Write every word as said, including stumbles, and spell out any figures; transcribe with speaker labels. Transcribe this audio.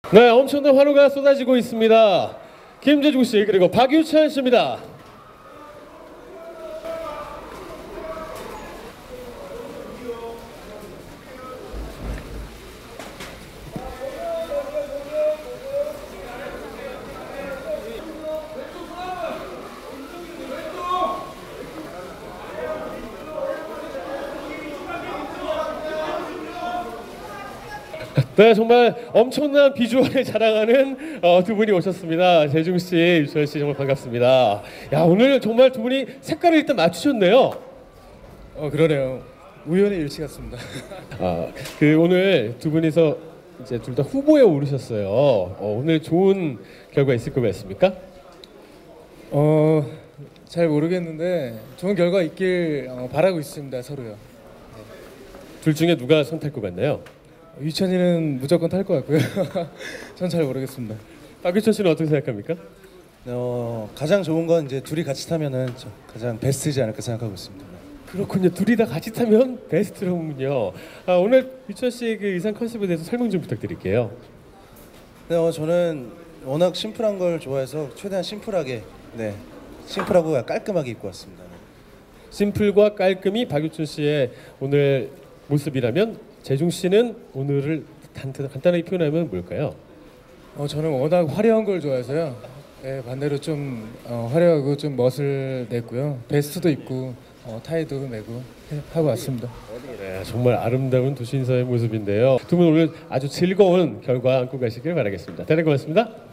Speaker 1: 네, 엄청난 환호가 쏟아지고 있습니다. 김재중 씨 그리고 박유찬 씨입니다. 네, 정말 엄청난 비주얼을 자랑하는 어, 두 분이 오셨습니다. 재중 씨, 유철 씨 정말 반갑습니다. 야, 오늘 정말 두 분이 색깔을 일단 맞추셨네요.
Speaker 2: 어 그러네요. 우연의 일치 같습니다.
Speaker 1: 아, 그 오늘 두 분이서 이제 둘 다 후보에 오르셨어요. 어, 오늘 좋은 결과 있을 것 같습니까?
Speaker 2: 어 잘 모르겠는데 좋은 결과 있길 어, 바라고 있습니다. 서로요.
Speaker 1: 둘 중에 누가 손 탈 것 같나요?
Speaker 2: 유찬이는 무조건 탈 것 같고요. 전 잘 모르겠습니다.
Speaker 1: 박유찬 씨는 어떻게 생각합니까?
Speaker 3: 어, 가장 좋은 건 이제 둘이 같이 타면은 저- 가장 베스트지 않을까 생각하고 있습니다.
Speaker 1: 그렇군요. 둘이 다 같이 타면 베스트로군요. 아, 오늘 유찬 씨의 그 의상 컨셉에 대해서 설명 좀 부탁드릴게요.
Speaker 3: 네, 어, 저는 워낙 심플한 걸 좋아해서 최대한 심플하게, 네, 심플하고 깔끔하게 입고 왔습니다. 네.
Speaker 1: 심플과 깔끔이 박유찬 씨의 오늘 모습이라면 재중 씨는 오늘을 간단, 간단하게 표현하면 뭘까요?
Speaker 2: 어 저는 워낙 화려한 걸 좋아해서요. 네, 반대로 좀 어, 화려하고 좀 멋을 냈고요. 베스트도 입고 어, 타이도 메고 해- 하고 왔습니다.
Speaker 1: 네, 정말 아름다운 두 신사의 모습인데요. 두 분 오늘 아주 즐거운 결과 안고 가시길 바라겠습니다. 대단히 고맙습니다.